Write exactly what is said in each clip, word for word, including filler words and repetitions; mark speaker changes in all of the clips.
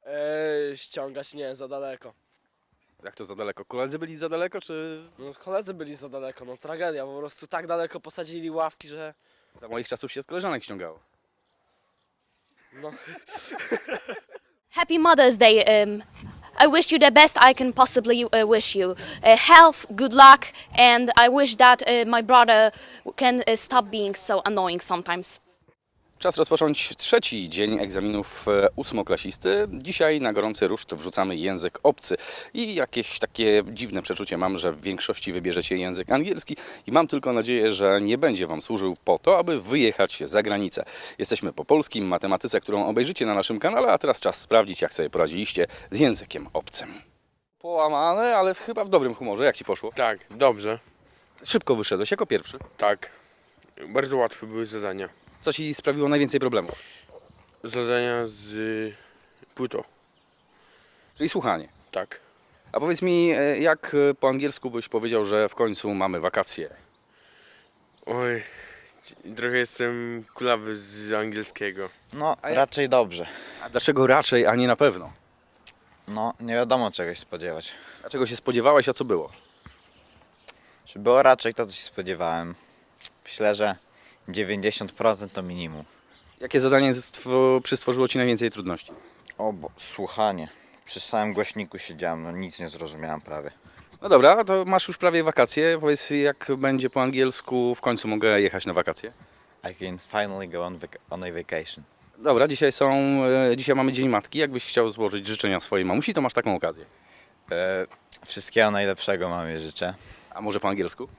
Speaker 1: Eee, ściągać nie, za daleko.
Speaker 2: Jak to za daleko? Koledzy byli za daleko, czy
Speaker 1: No koledzy byli za daleko, no tragedia, po prostu tak daleko posadzili ławki, że
Speaker 2: za moich czasów się z koleżanek ściągało?
Speaker 1: no.
Speaker 3: Happy Mother's Day. Um, I wish you the best I can possibly uh, wish you. Uh, health, good luck, and I wish that uh, my brother can uh, stop being so annoying sometimes.
Speaker 2: Czas rozpocząć trzeci dzień egzaminów e, ósmoklasisty. Dzisiaj na gorący ruszt wrzucamy język obcy. I jakieś takie dziwne przeczucie mam, że w większości wybierzecie język angielski i mam tylko nadzieję, że nie będzie Wam służył po to, aby wyjechać za granicę. Jesteśmy po polskim matematyce, którą obejrzycie na naszym kanale, a teraz czas sprawdzić, jak sobie poradziliście z językiem obcym. Połamane, ale chyba w dobrym humorze. Jak Ci poszło?
Speaker 4: Tak, dobrze.
Speaker 2: Szybko wyszedłeś jako pierwszy.
Speaker 4: Tak. Bardzo łatwe były zadania.
Speaker 2: Co Ci sprawiło najwięcej problemów?
Speaker 4: Zadania z y, płytą.
Speaker 2: Czyli słuchanie.
Speaker 4: Tak.
Speaker 2: A powiedz mi, e, jak e, po angielsku byś powiedział, że w końcu mamy wakacje?
Speaker 4: Oj, trochę jestem kulawy z angielskiego.
Speaker 5: No,
Speaker 2: A ja-
Speaker 5: raczej dobrze.
Speaker 2: A dlaczego raczej, a nie na pewno?
Speaker 5: No, nie wiadomo czegoś spodziewać.
Speaker 2: Dlaczego się spodziewałeś, a co było?
Speaker 5: Czy było raczej to, co się spodziewałem? Myślę, że dziewięćdziesiąt procent to minimum.
Speaker 2: Jakie zadanie stwo- przystworzyło Ci najwięcej trudności?
Speaker 5: O, bo słuchanie. Przy samym głośniku siedziałem, no nic nie zrozumiałem prawie.
Speaker 2: No dobra, to masz już prawie wakacje. Powiedz, jak będzie po angielsku, w końcu mogę jechać na wakacje?
Speaker 5: I can finally go on, vac- on a vacation.
Speaker 2: Dobra, dzisiaj są, e, dzisiaj mamy Dzień Matki. Jakbyś chciał złożyć życzenia swojej mamusi, to masz taką okazję.
Speaker 5: E, wszystkiego najlepszego mamie życzę.
Speaker 2: A może po angielsku?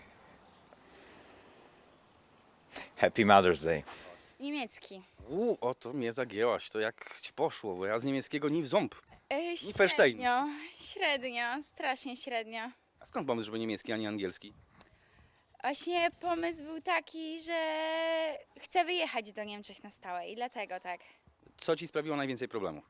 Speaker 5: Happy Mother's Day.
Speaker 6: Niemiecki.
Speaker 2: Uuu, o to mnie zagięłaś, to jak Ci poszło, bo ja z niemieckiego ni w ząb.
Speaker 6: E,
Speaker 2: Nieverstehen.
Speaker 6: średnio, średnio, strasznie średnio.
Speaker 2: A skąd pomysł, żeby niemiecki, a nie angielski?
Speaker 6: Właśnie pomysł był taki, że chcę wyjechać do Niemczech na stałe i dlatego tak.
Speaker 2: Co Ci sprawiło najwięcej problemów?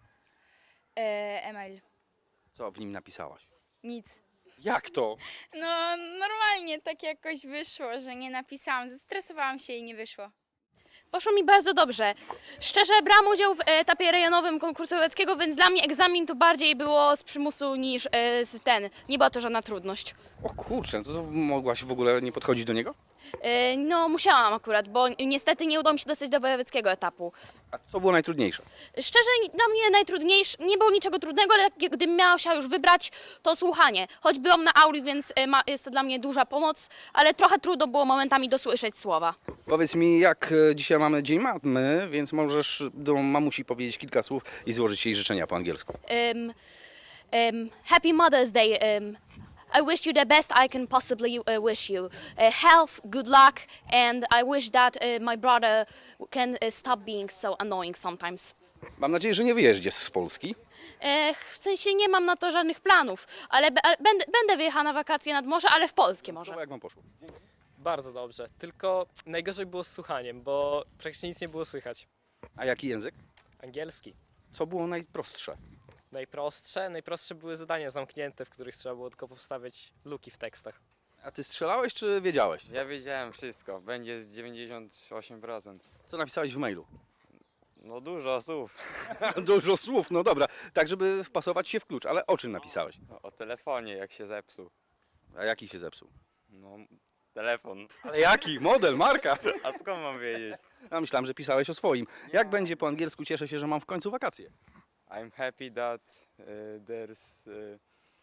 Speaker 6: E, Emil,
Speaker 2: Co w nim napisałaś?
Speaker 6: nic.
Speaker 2: Jak to?
Speaker 6: No normalnie tak jakoś wyszło, że nie napisałam, zestresowałam się i nie wyszło.
Speaker 3: Poszło mi bardzo dobrze. Szczerze, brałam udział w etapie rejonowym konkursu łowieckiego, więc dla mnie egzamin to bardziej było z przymusu niż e, z ten. Nie była to żadna trudność.
Speaker 2: O kurczę, to, to mogłaś w ogóle nie podchodzić do niego?
Speaker 3: E, no, musiałam akurat, bo niestety nie udało mi się dostać do wojewódzkiego etapu.
Speaker 2: A co było najtrudniejsze?
Speaker 3: Szczerze, dla mnie najtrudniejsze, nie było niczego trudnego, ale jak- gdybym miała się już wybrać, to słuchanie. Choć byłam na auli, więc e, ma, jest to dla mnie duża pomoc, ale trochę trudno było momentami dosłyszeć słowa.
Speaker 2: Powiedz mi, jak e, dzisiaj mamy Dzień Mamy, więc możesz do mamusi powiedzieć kilka słów i złożyć jej życzenia po angielsku.
Speaker 3: Um, um, happy Mother's Day. Um, I wish you the best I can possibly uh, wish you. Uh, health, good luck, and I wish that uh, my brother can uh, stop being so annoying sometimes.
Speaker 2: Mam nadzieję, że nie wyjeździesz z Polski.
Speaker 3: E, w sensie nie mam na to żadnych planów, ale be, ale będę, będę wyjechała na wakacje nad morze, ale w Polskie może.
Speaker 2: Słowo, jak wam poszło?
Speaker 1: Bardzo dobrze, tylko najgorzej było z słuchaniem, bo praktycznie nic nie było słychać.
Speaker 2: A jaki język?
Speaker 1: Angielski.
Speaker 2: Co było najprostsze?
Speaker 1: Najprostsze, najprostsze były zadania zamknięte, w których trzeba było tylko powstawiać luki w tekstach.
Speaker 2: A ty strzelałeś, czy wiedziałeś?
Speaker 7: Ja wiedziałem wszystko, będzie z dziewięćdziesiąt osiem procent.
Speaker 2: Co napisałeś w mailu?
Speaker 7: No dużo słów.
Speaker 2: Dużo słów, no dobra. Tak, żeby wpasować się w klucz. Ale o czym napisałeś?
Speaker 7: No, o telefonie, jak się zepsuł.
Speaker 2: A jaki się zepsuł?
Speaker 7: No, telefon.
Speaker 2: Ale jaki? Model, marka?
Speaker 7: A skąd mam wiedzieć?
Speaker 2: Ja myślałem, że pisałeś o swoim. Jak będzie po angielsku? Cieszę się, że mam w końcu wakacje.
Speaker 7: I'm happy that uh, there's uh,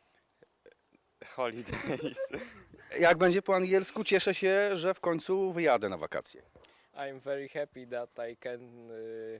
Speaker 7: holidays.
Speaker 2: Jak będzie po angielsku? Cieszę się, że w końcu wyjadę na wakacje.
Speaker 1: I'm very happy that I can... Y...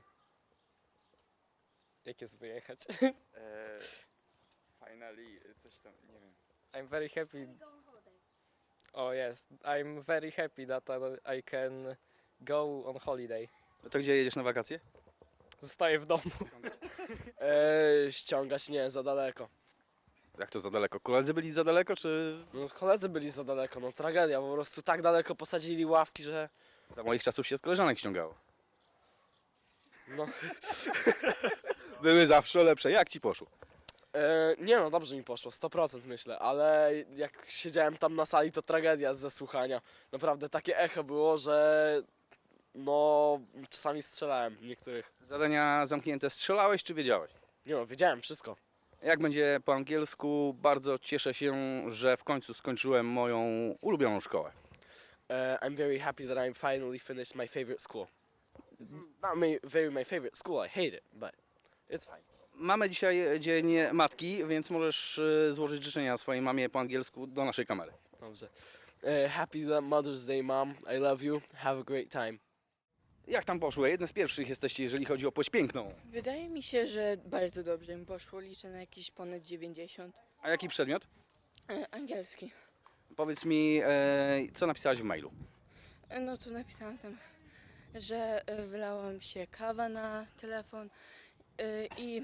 Speaker 1: Jak jest wyjechać?
Speaker 7: E, finally, coś tam, nie wiem.
Speaker 1: I'm very happy... O jest, I'm very happy that I can go on holiday.
Speaker 2: No to gdzie jedziesz na wakacje?
Speaker 1: Zostaję w domu. Eee, ściągać nie, za daleko.
Speaker 2: Jak to za daleko? Koledzy byli za daleko, czy
Speaker 1: No koledzy byli za daleko, no tragedia, po prostu tak daleko posadzili ławki, że
Speaker 2: za moich czasów się z koleżanek ściągało?
Speaker 1: no.
Speaker 2: Były zawsze lepsze. Jak ci poszło?
Speaker 1: Eee, nie no, dobrze mi poszło, sto procent myślę, ale jak siedziałem tam na sali, to tragedia ze słuchania. Naprawdę takie echo było, że no czasami strzelałem w niektórych.
Speaker 2: Zadania zamknięte strzelałeś, czy wiedziałeś?
Speaker 1: Nie no, wiedziałem wszystko.
Speaker 2: Jak będzie po angielsku? Bardzo cieszę się, że w końcu skończyłem moją ulubioną szkołę.
Speaker 1: Uh, I'm very happy that I finally finished my favorite school. It's not my, very my favorite school, I hate it, but it's fine.
Speaker 2: Mamy dzisiaj Dzień Matki, więc możesz y, złożyć życzenia swojej mamie po angielsku do naszej kamery.
Speaker 1: Dobrze. Uh, happy Mother's Day, Mom. I love you. Have a great time.
Speaker 2: Jak tam poszło? Jedne z pierwszych jesteście, jeżeli chodzi o płeć piękną.
Speaker 8: Wydaje mi się, że bardzo dobrze mi poszło. Liczę na jakieś ponad dziewięćdziesiąt.
Speaker 2: A jaki przedmiot?
Speaker 8: E, angielski.
Speaker 2: Powiedz mi, e, co napisałaś w mailu?
Speaker 8: E, no to napisałam tam, że e, wylałam się kawa na telefon e, i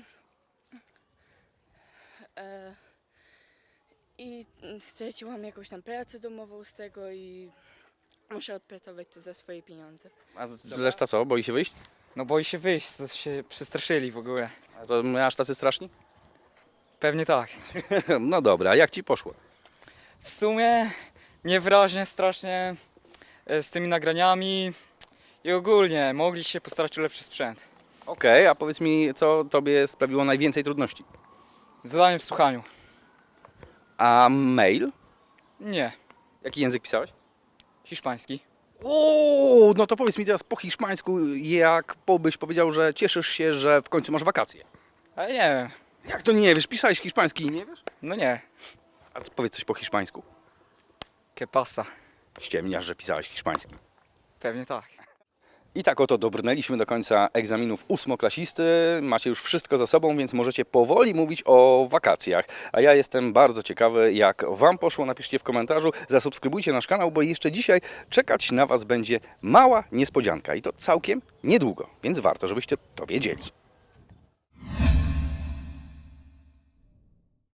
Speaker 8: e, i straciłam jakąś tam pracę domową z tego i muszę odpracować to za swoje pieniądze.
Speaker 2: A reszta co? Boi się wyjść?
Speaker 9: No boi się wyjść, to się przestraszyli w ogóle.
Speaker 2: A to my aż tacy straszni?
Speaker 9: Pewnie tak.
Speaker 2: No dobra, jak ci poszło?
Speaker 9: W sumie niewyraźnie, strasznie e, z tymi nagraniami i ogólnie mogli się postarać o lepszy sprzęt.
Speaker 2: Okej, a powiedz mi, co tobie sprawiło najwięcej trudności?
Speaker 9: Zadanie w słuchaniu.
Speaker 2: A mail?
Speaker 9: Nie.
Speaker 2: Jaki język pisałeś?
Speaker 9: Hiszpański.
Speaker 2: O, no to powiedz mi teraz po hiszpańsku, jak po- byś powiedział, że cieszysz się, że w końcu masz wakacje.
Speaker 9: Ale nie wiem.
Speaker 2: Jak to nie wiesz? Pisałeś hiszpański i nie wiesz?
Speaker 9: No nie.
Speaker 2: A co, powiedz coś po hiszpańsku.
Speaker 9: Que pasa?
Speaker 2: Ściemniasz, że pisałeś hiszpański.
Speaker 9: Pewnie tak.
Speaker 2: I tak oto dobrnęliśmy do końca egzaminów ósmoklasisty. Macie już wszystko za sobą, więc możecie powoli mówić o wakacjach. A ja jestem bardzo ciekawy, jak Wam poszło. Napiszcie w komentarzu, zasubskrybujcie nasz kanał, bo jeszcze dzisiaj czekać na Was będzie mała niespodzianka. I to całkiem niedługo, więc warto, żebyście to wiedzieli.